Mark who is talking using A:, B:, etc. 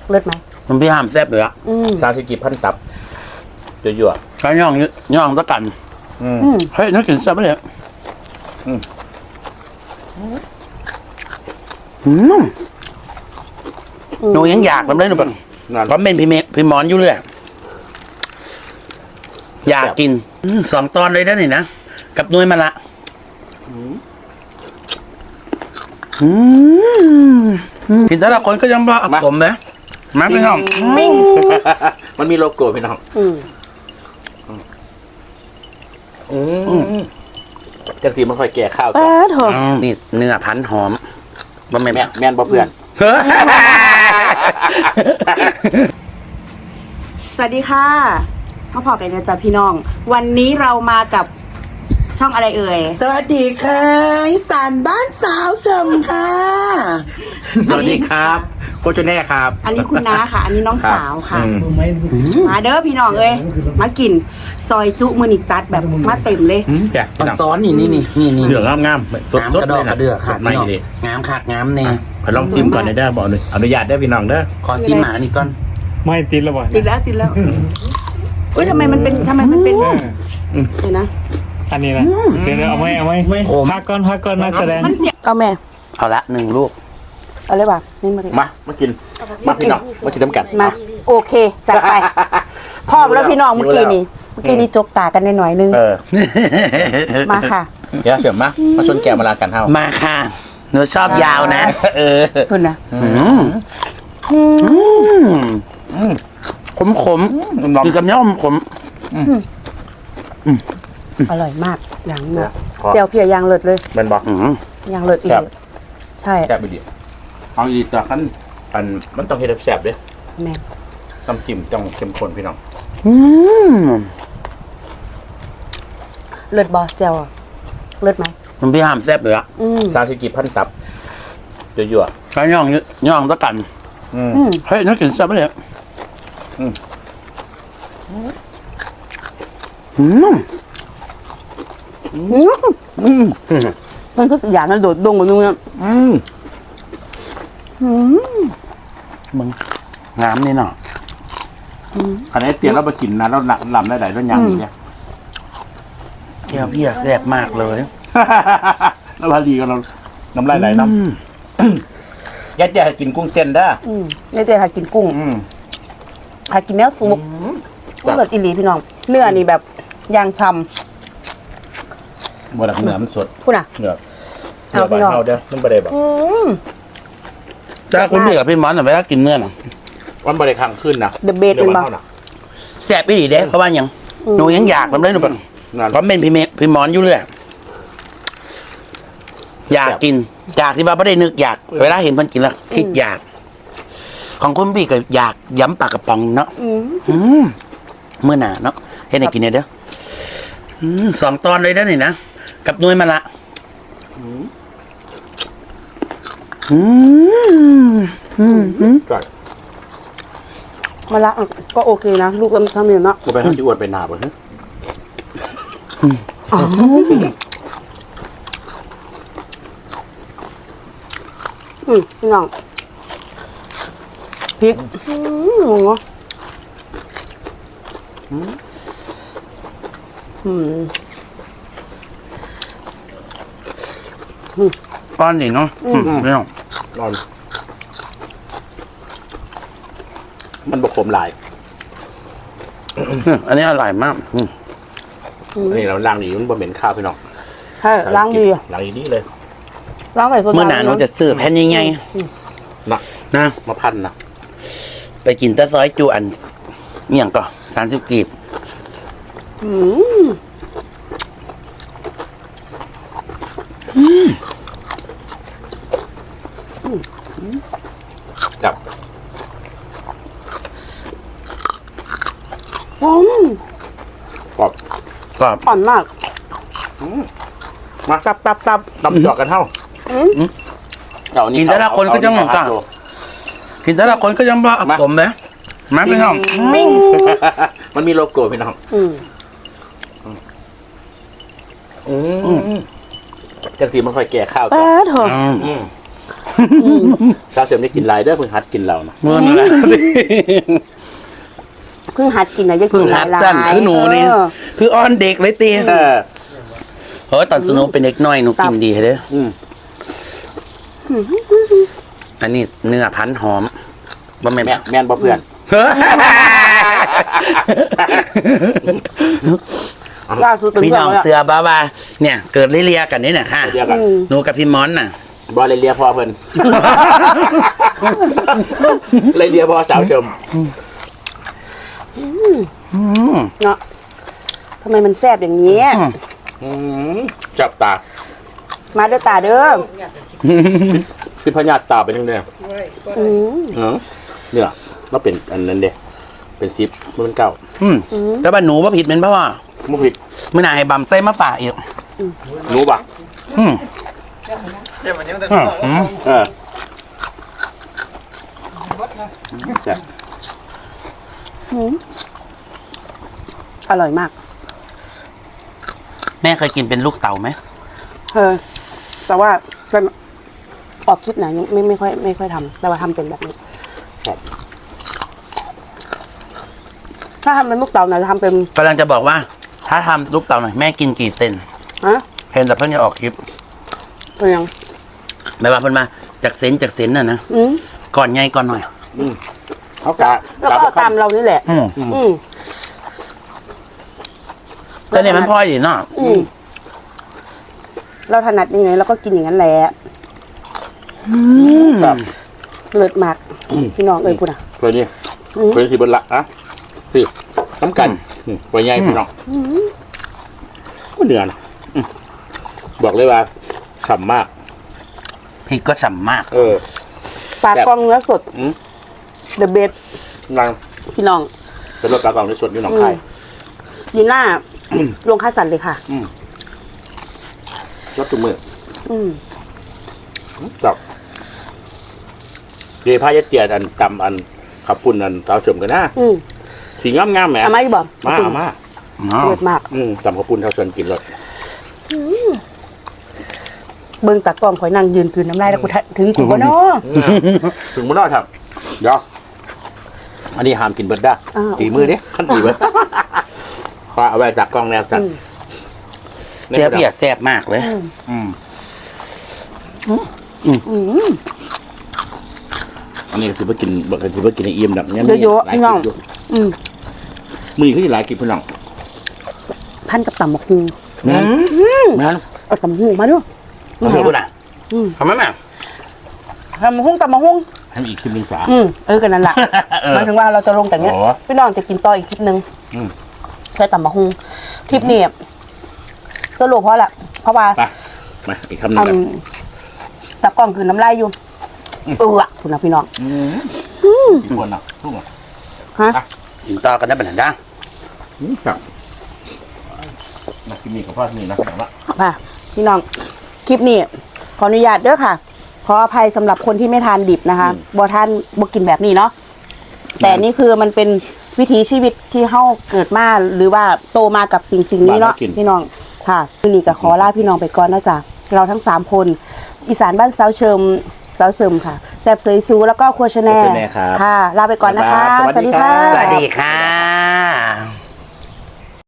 A: เลิศไหม
B: มันพี่ห้ามแซ่บเลยอะ
C: 30 พันตับยั่ว
B: ๆข้าวย่องตะกันเฮ้ยน่ากินแซ่บเลยหนูยังอยากทำได้หนูแบบเพราะเป็นพี่หมอนอยู่เลยอยากกิน2 ตอนเลยได้หนินะกับนุ้ยมาละกินแต่ละคนก็ยังบ้าผมนะมาพี่น้อง
C: มันมีโลโก้พี่น้องจังสีมันค่อยแก่ข้าว
B: นี่เนื้อพันหอมบ่แ
C: ม่นบ่เพื่อน
A: สวัสดีค่ะพ่อพอกันนะจ๊ะพี่น้องวันนี้เรามากับช่องอะไรเอ่ย
B: สวัสดีค่ะอีสานบ้านสาวชมค่ะ
C: สวัสดีครับโคชแน่ครับ
A: อันนี้คุณน้าค่ะอันนี้น้องสาวค่ะมาเด้อพี่น้องเอ้ยมากินซอยจุมือนิจัดแบบมาเต็มเลย
B: มาซ้อนนี่
C: เหลืองงาม
B: สดกระดอกกระเดือกค่ะพี่น้องงามขาดงามเนี่ย
C: ขอลองชิมก่อนได้บอกอนุญาตได้พี่น้องเด้อ
B: ขอซิมหมานี่ก่อน
D: ไม่ติดแล้วบ่
A: ติดแล้วอุ้ยทำไมมันเป็นเห็นนะ
D: อันนี้นะเดี๋ยวเอาไว้พักก่อนนักแสดง
A: มันเสียเอาแม่
B: เอาละ1 ลูก
A: เอาเลยป่ะนี่
C: มากินมาพี่น้องมากินน้ำกัน
A: มาโอเคจัดไปพ่อแล้วพี่น้องเมื่อกี้นี่จกตากันหน่อยนึงมาค่ะ
C: เดี๋ยวมาชนแก้วมาลากันเท่า
B: มาค่ะหนูชอบยาวนะ
A: คุณนะ
B: ขมกินกับเนื้อขม
A: อร่อยมากอย่างเนี้ยเจียวเพียยางเลิศเลย
C: เป็นบอก
A: ยางเลิศอีกใช่
C: แซ่บไปดิเอาอีกสักขั้นมันต้องเฮ็ดแซ่บด้วย
A: แม่
C: ต้องจิ้มต้องเข้มข้นพี่น้อง
A: เลิศบอเจียวเลิศไหม
B: มันพี่ห้ามแซ่บเลยอะ
C: 30 พันตับยั่ว
B: ข้าวย่องตะกันเฮ้ยน่ากินแซ่บเลย
A: มันก็อย่างนั้นโดดดงกว่านู้น
B: มึงงามนี่เนาะ
C: อันนี้เตี๋ยวเราไปกินนะเราลำได้ไหนต้องยังอีกเนี่ย
B: เจียวพี่แซ่บมากเลย
C: แล้วพอดีกันเราน้ำลายไหลน้ำยัดกินกุ้งเต้นได้
A: ยัดกินกุ้งหากินเนื้อสุกก็เลิศอีหลีพี่น้องเนื้อนี่แบบยางช้
C: ำบ่ดักเนื้อมันสด
A: คุณอ่ะ
C: เนื้อพี่น้องเด้อมันบ่ได้แบบ
B: จ้าคุณพี่กับพี่มอนเวลากินเนื้อน่ะ
C: มันบ่ได้คังขึ้นนะ
A: เดอะเบสเป็นบ้า
B: แซ่บอีหลีเด้เขาว่ายังหนูยังอยากทำได้หนูแบบเพราะเป็นพี่มอนอยู่เลยอยากกินอยากที่ว่าไม่ได้นึกอยากเวลาเห็นมันกินแล้วคิดอยากของคุณพี่ก็อยากย้ำปากกระป๋องเนาะเมื่อหนาเนาะให้ได้กินเนี่ยเด้อ2 ตอนเลยได้หนินะกับนุ้ยมาละ
A: มาละก็โอเคนะลูกทำอย่างเนาะ
C: กูไปทำจีอวดไปหนาบ่ฮะ
A: พี่น้องพริก
B: ก้อนนี่เนาะไม่ต้อง
C: ร้อนมันบกขมหลาย
B: อันนี้อร่อยมาก
C: อันนี้เราล้างดีมันบะเหม็นข้าวพี่น้อง
A: ใช่ล้างดี
C: เลย
A: ล้างใส่โซดา
B: เมื่อหนาหนูจะซื้อแผ่นใหญ่ๆนะ
C: มาพันนะ
B: ไปกินตะซอยจูอันเนี่ยก็30 กีบ
C: จับกรอบ
A: อ่อนมาก
C: มา
A: จับ
C: ตำจอกกันเท่า
B: กินแต่ละคนก็ยังต่างกินแต่ละคนก็ยังบ้าผมนะมาพี่น้อง
C: มันมีโลโก้พี่น้องจังสีมันค่อยแก่ข้าวสาวเสริมได้กินหลายเด้อเพิ่งหัดกินเรานะ
B: เมื่อนั้นแหละ
A: เพิ่งหัดกินนะยัง
B: เพิ่
A: กิ
B: ง
A: นห
B: หัด
A: ลาย
B: สั้นคือหนูนี่
A: เออ
B: คืออ้อนเด็กเลยตี
C: เออ
B: เฮ้ยตอนสนุกเป็นเด็กน้อยหนูกินดีเด้อ
C: อืม
B: อันนี้เนื้อพันหอมบ่แม่น
C: แม่นบ่เพื่อน
A: ล่าสุดเป็น
B: พี่
A: เพื่อ
B: น้
A: น
B: อง
A: แล้ว
B: เสือบ้าว่าเนี่ย เกิดเลียๆกันนี่น่ะค่ะ
C: เดียวกัน
B: หนูกับพี่มอนน่ะ
C: บ่เลยเลียพอเพิ่นเลยเลียพอสาวเสริม
A: เนาะทำไมมันแซ่บอย่างนี้
C: จับตา
A: มาเด้อตาเด้อ
C: พี่พญาตาเป็นยังไง
A: อืม
C: เนี่ยเราเป็นอันนั้นเด้เป็นซิปมันเป็นเก้า
B: แล้วบ้านหนูว่าผิดเป็นเพราะว่า
C: มุผิด
B: เมื่อไหร่ให้บำไส้มาฝากอีก
C: รู้ป่ะ
B: อืม
C: เออจ้ะ
A: อร่อยมาก
B: แม่เคยกินเป็นลูกเต่าไหม
A: แต่ว่าออกคลิปไหนยังไม่ค่อยทำแต่ว่าทำเป็นแบบนี้
C: ครับ
A: ถ้าทำเป็นลูกเต๋าเนี่ยจะทำเป็น
B: กำลังจะบอกว่า ถ้าทำลูกเต่าหน่อยแม่กินกี่เซน
A: ฮะ
B: เห็นแต่เพิ่งจะออกคลิป
A: เป็นยัง
B: ไม่ว่าเพิ่นมาจากเซนน่ะนะ
A: อืม
B: ก่อนไงก่อนหน่อย
C: เขากะ
A: แล้วก็เอาตามเรานี่แหละ
B: อืม
A: อืม
B: แต่เนี่ยมันพลอยดีเนาะ
A: อืมเราถนัดยังไงเราก็กินอย่างนั้นแหละ
C: ครับ
A: เลิศมากพี่น้องเอ้ยพูดอ่ะ
C: เพื่อนนี่เพื่อนสิบนละอะสิน้ำกันไว้ใหญ่พี่น้องก็เดือนบอกเลยว่าฉ่ำมาก
B: พริกก็ฉ่ำมาก
C: เออ
A: ปลากรองเนื้อสด
C: อืม
A: The best
C: นาง
A: พี่น้อง
C: เป็นรถกระเป๋าในสดนี่หนองคาย
A: ดีหน้า ลงค่าสันเลยค่ะ
C: รถจุ่มมือ
A: อืม
C: จับเดี๋ยวพายเตียนอันตำอันขับปุ่นอันสาวเฉิมกันนะ
A: อืม
C: สีงามๆแหม
A: เอามาอีกบอก
C: มาเอามา
A: เลิศมาก
C: ตำขับปุ่นสาวเฉิมกินรถ
A: เบิ่งตากล้องข่อยนั่งยืนคืนน้ำลายแล้วกูถึงกูบ่เนาะ
C: ถึงมันน่าทำเดี๋ยวอันนี้ห้ามกินเบิดได้
A: อ่า
C: ตีมือดิขั้นตีเบิดพาเอาไว้จากกล้องแนวกัน
B: เจียวเปียกแซ่บมากเลย
C: อันนี้ก็ถือว่ากินบอกถือว่ากินในเอี่ยมแบบนี้
A: เยอะๆ
C: หลาย
A: พี่
C: ค
A: น้
C: ลิ
A: อง
C: ปอยู่
A: อืม
C: มือขึ้นหลายคลิปพี่น้อง
A: พันกับตำบักฮู
C: งั้น
A: เอาตำบักฮูมาด้วย
B: มาดูน่ะทำไมแม่
A: ตำบักฮูตำบักฮู
C: ให้มีอีกคลิปหนึงสา
A: กันนั่นแหละหมายถึงว่าเราจะลงแต่เนี้ย
C: อ๋อ
A: พี่น้องจะกินต่ออีกคลิปนึง
C: อืม
A: ใช้ตำบักฮูคลิปนี้สรุปเพราะแหละเพราะว่า
C: ไปมาอีกคำหนึงกัน
A: ตากล้องคือน้ำลายอยู่คุณนะพี่น้อง
C: อีกคนน่ะทุกคน
A: ฮะ
B: กินต่อกันได้เป็นหันด้า
C: ครับมาคลิปนี้กับพ่อนี่นะแต่ว่า
A: ค่ะพี่น้องคลิปนี้ขออนุญาตเด้อค่ะ ขออภัยสำหรับคนที่ไม่ทานดิบนะคะบ่ทานบ่กินแบบนี้เนาะแต่นี่คือมันเป็นวิถีชีวิตที่เฮาเกิดมาหรือว่าโตมากับสิ่งนี้เนาะพี่น้องค่ะวันนี้ก็ขอลาพี่น้องไปก่อนนะจ๊ะเราทั้ง3คนอีสานบ้านสาวเชิมค่ะแซ่บเสยซูแล้วก็ครัวชาแนลค่ะลาไปก่อนนะคะ
C: สวัสดีครับ
B: สวัสดีค่ะ